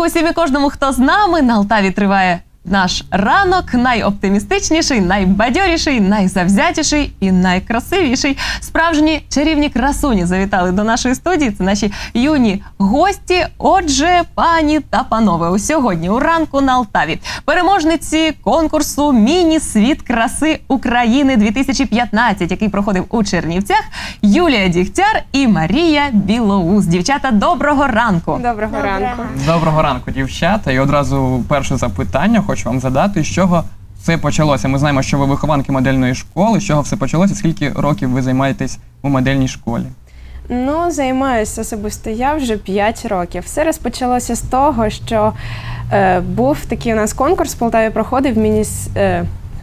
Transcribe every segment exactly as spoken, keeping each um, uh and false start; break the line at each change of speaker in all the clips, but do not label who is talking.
усім і кожному, хто з нами. На Алтаві триває наш ранок, найоптимістичніший, найбадьоріший, найзавзятіший і найкрасивіший. Справжні чарівні красуні завітали до нашої студії. Це наші юні гості. Отже, пані та панове, у сьогодні у ранку на Алтаві переможниці конкурсу «Міні-світ краси України-дві тисячі п'ятнадцять», який проходив у Чернівцях, Юлія Дігтяр і Марія Білоус. Дівчата, доброго ранку.
Доброго, Доброго ранку.
Доброго ранку, дівчата. І одразу перше запитання хочу вам задати, з чого все почалося. Ми знаємо, що ви вихованки модельної школи. З чого все почалося? Скільки років ви займаєтесь у модельній школі?
Ну, займаюся особисто я вже п'ять років. Все розпочалося з того, що е, був такий у нас конкурс в Полтаві, проходив міні, е,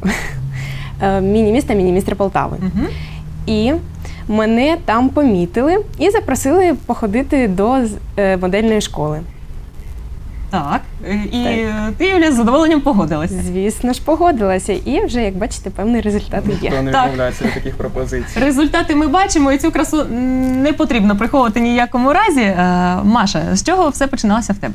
міні-місто, міні-містер Полтави.
Угу.
І мене там помітили і запросили походити до е, модельної школи.
Так, і так. Ти, Юля, з задоволенням погодилася?
Звісно ж, погодилася. І вже, як бачите, певний результат є.
Ніхто не
Так.
відмовляється від таких пропозицій.
Результати ми бачимо, і цю красу не потрібно приховувати ніякому разі. Е, Маша, з чого все починалося в тебе?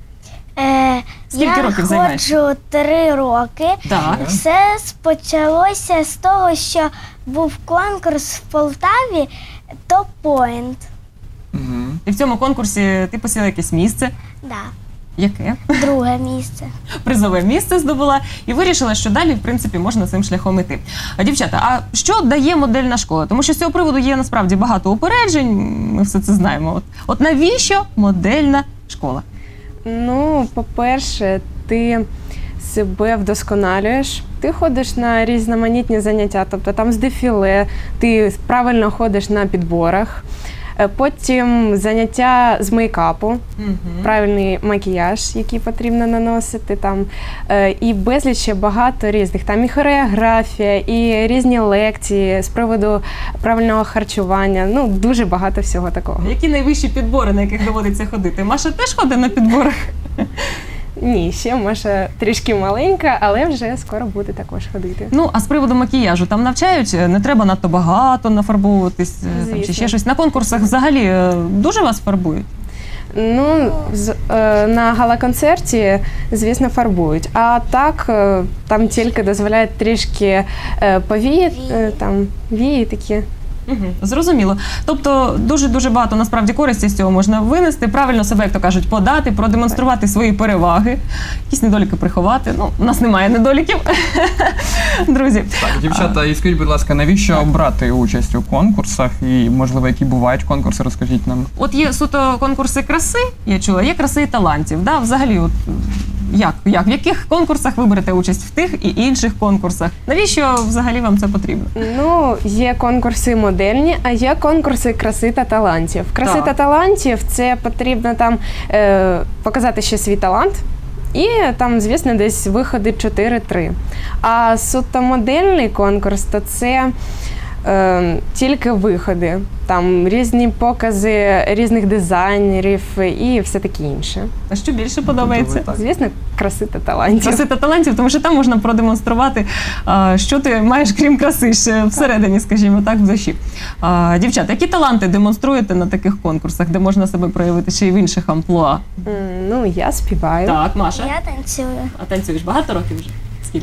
Е,
Скільки
я
років займаєшся?
Я ходжу три роки.
Так.
Все почалося з того, що був конкурс в Полтаві «Топ Пойнт».
Угу.
І в цьому конкурсі ти посіла якесь місце.
Да,
Яке?
друге місце.
Призове місце здобула і вирішила, що далі, в принципі, можна цим шляхом іти. А, дівчата, а що дає модельна школа? Тому що з цього приводу є насправді багато упереджень, ми все це знаємо. От, от навіщо модельна школа?
Ну, по-перше, ти себе вдосконалюєш, ти ходиш на різноманітні заняття, тобто там з дефіле, ти правильно ходиш на підборах, потім заняття з мейкапу,
Угу.
правильний макіяж, який потрібно наносити, там, і безліч ще багато різних, там і хореографія, і різні лекції з приводу правильного харчування, ну, дуже багато всього такого.
Які найвищі підбори, на яких доводиться ходити? Маша теж ходить на підборах?
Ні, ще Маша трішки маленька, але вже скоро буде також ходити.
Ну, а з приводу макіяжу, там навчають, не треба надто багато нафарбовуватись, там, чи ще щось. На конкурсах взагалі е, дуже вас фарбують?
Ну, з, е, на гала-концерті, звісно, фарбують. А так, е, там тільки дозволяють трішки е, повії, е, там, вії такі.
Угу. Зрозуміло. Тобто дуже-дуже багато насправді користі з цього можна винести, правильно себе, як то кажуть, подати, продемонструвати свої переваги, якісь недоліки приховати. Ну, у нас немає недоліків, друзі.
Так, дівчата, і скажіть, будь ласка, навіщо брати участь у конкурсах і, можливо, які бувають конкурси, розкажіть нам.
От є суто конкурси краси, я чула, є краси і талантів. Да? Взагалі, от, як, як? В яких конкурсах ви берете участь в тих і інших конкурсах? Навіщо взагалі вам це потрібно?
Ну, є конкурси модельні, а є конкурси краси та талантів. Краси
Так.
та талантів – це потрібно там е, показати ще свій талант. І там, звісно, десь виходи чотири-три. А суто модельний конкурс, то це е, тільки виходи. Там різні покази різних дизайнерів і все таке інше.
А що більше подобається?
Так.
Звісно, краси та талантів.
Краси та талантів, тому що там можна продемонструвати, а, що ти маєш, крім краси, ще всередині, скажімо так, в душі. А, дівчата, які таланти демонструєте на таких конкурсах, де можна себе проявити ще й в інших амплуа?
М, Ну, я співаю.
Так, Маша.
Я танцюю
А танцюєш багато років вже? Скільки?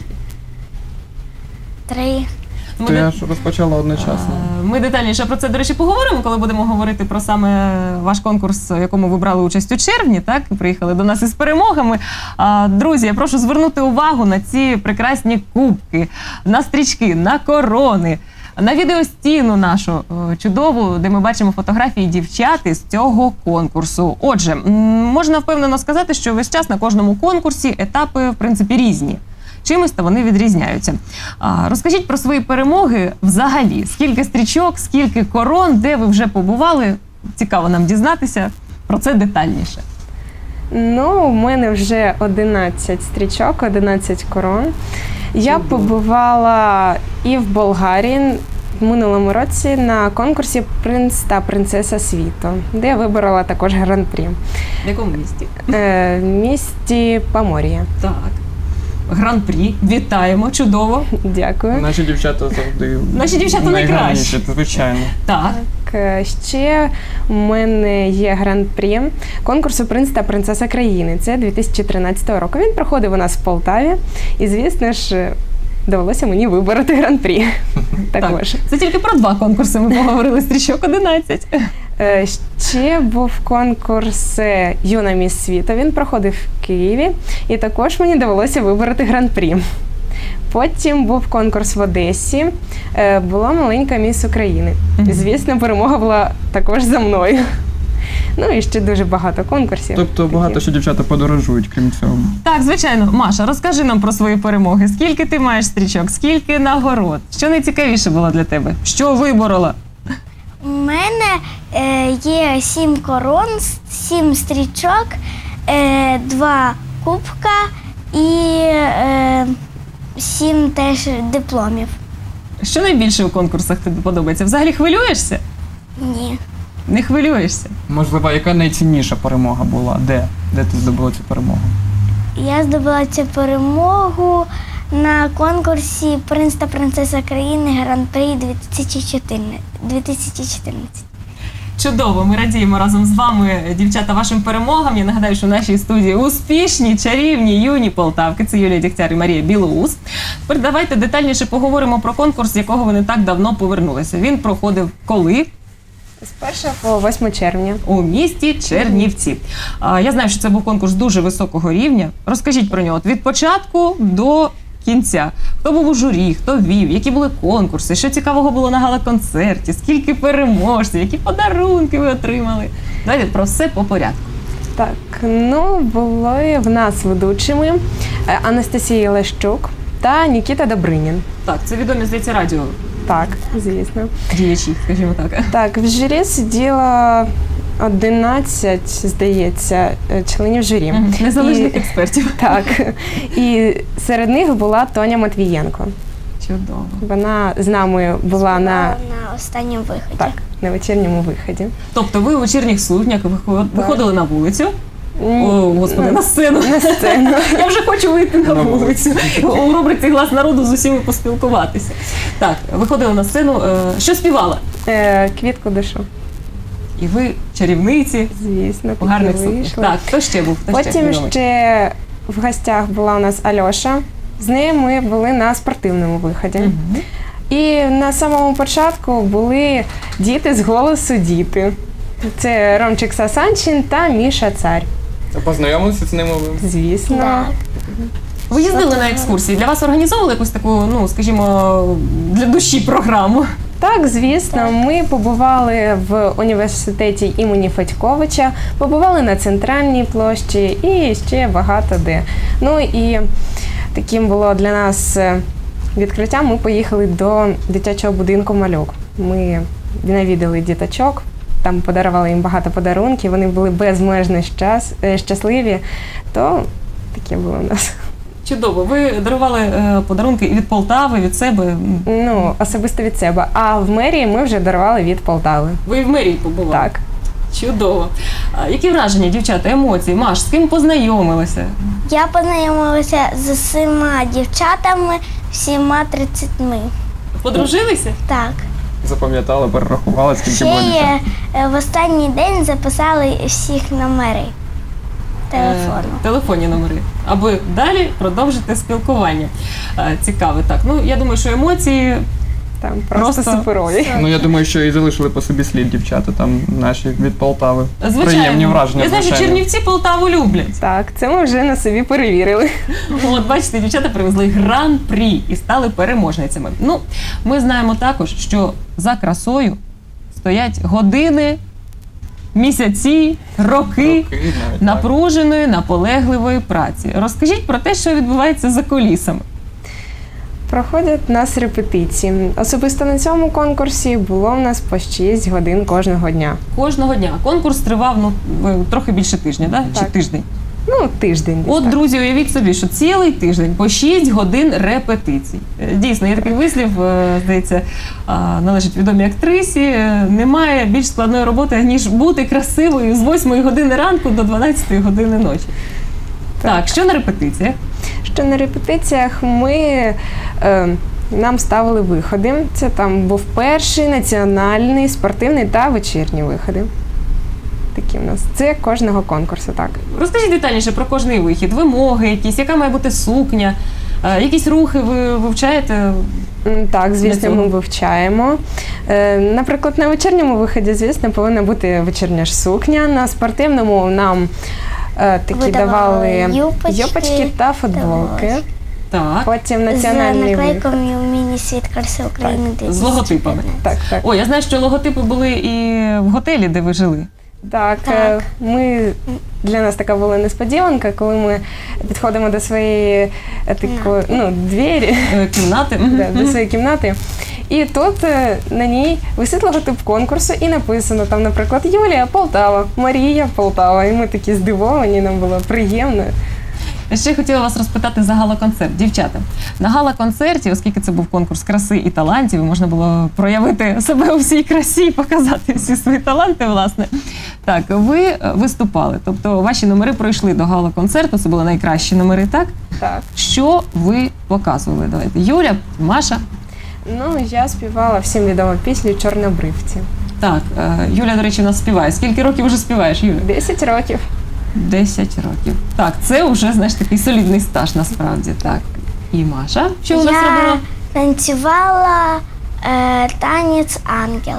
три.
Ми,
То
де-
я ж розпочала одночасно.
А, Ми детальніше про це, до речі, поговоримо, коли будемо говорити про саме ваш конкурс, в якому ви брали участь у червні, так? І приїхали до нас із перемогами. А, друзі, я прошу звернути увагу на ці прекрасні кубки, на стрічки, на корони, на відеостіну нашу о, чудову, де ми бачимо фотографії дівчат із цього конкурсу. Отже, м, можна впевнено сказати, що весь час на кожному конкурсі етапи, в принципі, різні. Чимось то вони відрізняються. А, розкажіть про свої перемоги взагалі. Скільки стрічок, скільки корон, де ви вже побували? Цікаво нам дізнатися про це детальніше.
Ну, у мене вже одинадцять стрічок, одинадцять корон. Я побувала і в Болгарії в минулому році на конкурсі «Принц та принцеса світу», де я виборола також гран-прі.
В якому місті?
Е, в місті Помор'я.
Так. Гран-прі. Вітаємо, чудово.
Дякую.
Наші дівчата завжди
Наші дівчата найкращі.
звичайно.
Так.
Так, е, ще у мене є гран-прі конкурсу «Принц та принцеса країни». Це дві тисячі тринадцятого року. Він проходив у нас в Полтаві. І, звісно ж, довелося мені вибороти гран-прі. Також.
Так, це тільки про два конкурси ми поговорили, стрічок одинадцять.
Е, Ще був конкурс е, «Юна міс світу». Він проходив в Києві. І також мені довелося вибороти гран-прі. Потім був конкурс в Одесі, е, була маленька міс України.
Мгм.
Звісно, перемога була також за мною. Ну і ще дуже багато конкурсів.
Тобто
таких.
багато що дівчата подорожують, крім цього.
Так, звичайно. Маша, розкажи нам про свої перемоги. Скільки ти маєш стрічок, скільки нагород? Що найцікавіше було для тебе? Що виборола?
У мене е, є сім корон, с- сім стрічок, е, два кубка і е, сім теж дипломів.
Що найбільше у конкурсах тобі подобається? Взагалі хвилюєшся?
Ні.
Не хвилюєшся?
Можливо, яка найцінніша перемога була? Де? Де ти здобула цю перемогу?
Я здобула цю перемогу на конкурсі «Принц та принцеса країни Гран-прі дві тисячі чотирнадцять.
Чудово, ми радіємо разом з вами, дівчата, вашим перемогам. Я нагадаю, що в нашій студії успішні, чарівні, юні полтавки. Це Юлія Дігтяр і Марія Білоус. Тепер давайте детальніше поговоримо про конкурс, з якого ви не так давно повернулися. Він проходив коли?
З першого по восьме червня.
У місті Чернівці. А, я знаю, що це був конкурс дуже високого рівня. Розкажіть про нього от від початку до кінця. Хто був у журі, хто вів, які були конкурси, що цікавого було на гала-концерті, скільки переможців, які подарунки ви отримали. Давайте про все по порядку.
Так, ну були в нас ведучими е, Анастасія Лещук та Нікіта Добринін.
Так, це відомі, здається, радіо
Так, звісно.
діячі, скажімо так.
Так, в журі сиділо одинадцять, здається, е, членів журі.
Мгм. Незалежних
І-
експертів.
Так. І серед них була Тоня Матвієнко.
Чудово.
Вона з нами була на,
на останньому виході.
так, на вечірньому виході.
Тобто ви у вечірніх сукнях виход- виходили на вулицю.
М,
О, господи, на сцену.
На сцену.
Я вже хочу вийти на
На
вулицю. У рубриці «Глас народу» з усіма поспілкуватися. Так, виходили на сцену. Е, Що співала?
Е, Квітку душу,
І ви чарівниці
звісно,
у гарних
таки
сукнях.
вийшли.
Так, хто ще був? Хто ще
Потім
відомий?
ще в гостях була у нас Альоша. З нею ми були на спортивному виході.
Мгм.
І на самому початку були діти з голосу діти. Це Ромчик Сасанчин та Міша Царь.
Познайомилися з ними ви?
Звісно.
Так.
Ви їздили на екскурсії. Для вас організовували якусь таку, ну, скажімо, для душі програму?
Так, звісно, ми побували в університеті імені Федьковича, побували на центральній площі і ще багато де. Ну і таким було для нас е, відкриттям. Ми поїхали до дитячого будинку «Малюк». Ми навідали діточок, там подарували їм багато подарунків, вони були безмежно щас, е, щасливі, то таке було у нас.
Чудово. Ви дарували е, подарунки і від Полтави, від себе.
Ну, особисто від себе. А в мерії ми вже дарували від Полтави.
Ви в мерії побували?
Так.
Чудово. А які враження, дівчата, емоції? Маш, з ким познайомилася?
Я познайомилася з усіма дівчатами, всіма тридцятьми.
Подружилися?
Так.
Запам'ятали, перерахували, скільки
Ще
було дівчат?
є, е, в останній день записали всіх номери телефону.
Е, телефонні номери. Аби далі продовжити спілкування. Е, цікаве. Так, ну я думаю, що емоції.
Там просто,
Просто-
суперові.
Ну, я думаю, що і залишили по собі слід дівчата там наші від Полтави.
Звичайно.
Приємні враження.
Я знаю, що
звичайно.
Чернівці Полтаву люблять.
Так, це ми вже на собі перевірили.
От бачите, дівчата привезли гран-прі і стали переможницями. Ну, ми знаємо також, що за красою стоять години, місяці, роки
Роки навіть, так.
напруженої, наполегливої праці. Розкажіть про те, що відбувається за кулісами.
Проходять у нас репетиції. Особисто на цьому конкурсі було в нас по шість годин кожного дня.
Кожного дня. Конкурс тривав ну, ви- трохи більше тижня, да? чи
Так.
тиждень?
Ну, тиждень. десь
От,
так.
друзі, уявіть собі, що цілий тиждень по шість годин репетицій. Е, Дійсно, є такий вислів, е, здається, а, належить відомій актрисі. е, Немає більш складної роботи, ніж бути красивою з восьмої години ранку до дванадцятої години ночі. Так, що на репетиціях?
Що на репетиціях ми е, нам ставили виходи. Це там був перший, національний, спортивний та вечірні виходи. Такі в нас. Це кожного конкурсу, так.
Розкажіть детальніше про кожний вихід, вимоги якісь, яка має бути сукня, е, якісь рухи ви вивчаєте?
М, Так, звісно,
цього?
ми вивчаємо. Е, Наприклад, на вечірньому виході, звісно, повинна бути вечірня ж сукня. На спортивному нам е, такі
Видавали
давали
юпочки,
юпочки та футболки.
давали.
Так,
Потім
З
національний вихід.
наклейками у міні-світ краси України.
з логотипами.
Так, так.
О, я знаю, що логотипи були і в готелі, де ви жили.
Так,
Так.
е, ми для нас така була несподіванка, коли ми підходимо до своєї е, такої, ну, двері,
Е, Кімнати. Мгм.
да, до своєї кімнати. І тут е, на ній висить логотип конкурсу і написано там, наприклад, Юлія Полтава, Марія Полтава. І ми такі здивовані, нам було приємно.
Ще хотіла вас розпитати за гала-концерт. Дівчата, на гала-концерті, оскільки це був конкурс краси і талантів, і можна було проявити себе у всій красі і показати всі свої таланти, власне. Так, ви е, виступали, тобто ваші номери пройшли до гала-концерту, це були найкращі номери, так?
Так.
Що ви показували? Давайте. Юля, Маша.
Ну, я співала всім відому пісню Чорнобривці.
Так, е, Юля, до речі, у нас співає. Скільки років вже співаєш, Юля?
Десять років.
Десять років. Так, це вже, знаєш, такий солідний стаж насправді. Так. І Маша, що у нас
Я
робила?
танцювала е, танець ангел.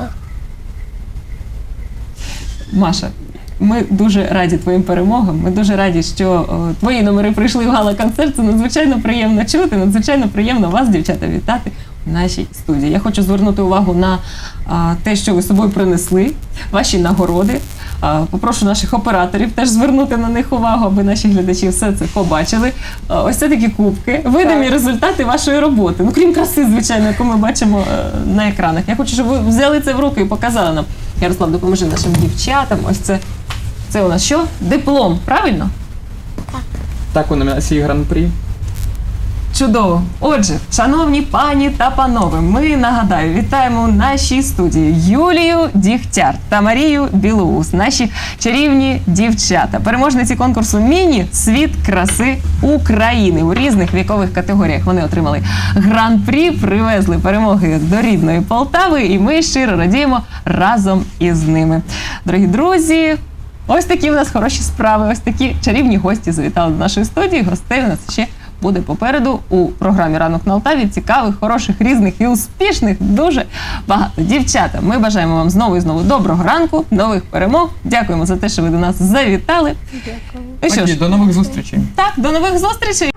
Маша, ми дуже раді твоїм перемогам. Ми дуже раді, що о, твої номери прийшли в гала-концерт. Це надзвичайно приємно чути, надзвичайно приємно вас, дівчата, вітати в нашій студії. Я хочу звернути увагу на а, те, що ви з собою принесли, ваші нагороди. А, попрошу наших операторів теж звернути на них увагу, аби наші глядачі все це побачили. А, ось це такі кубки, видимі
Так.
результати вашої роботи. Ну, крім краси, звичайно, яку ми бачимо е, на екранах. Я хочу, щоб ви взяли це в руки і показали нам. Ярослав, допоможи нашим дівчатам. Ось це. Це у нас що? Диплом, правильно?
Так, у номінації Гран-прі.
Чудово. Отже, шановні пані та панове, ми, нагадаю, вітаємо у нашій студії Юлію Дігтяр та Марію Білоус, наші чарівні дівчата, переможниці конкурсу «Міні-світ краси України». У різних вікових категоріях вони отримали гран-прі, привезли перемоги до рідної Полтави, і ми щиро радіємо разом із ними. Дорогі друзі, ось такі у нас хороші справи, ось такі чарівні гості завітали до нашої студії. Гостей у нас ще буде попереду у програмі «Ранок на Алтаві». Цікавих, хороших, різних і успішних дуже багато. Дівчата, ми бажаємо вам знову і знову доброго ранку, нових перемог. Дякуємо за те, що ви до нас завітали.
Дякую.
Ну що
Тоді,
ж,
до нових зустрічей.
так, до нових зустрічей.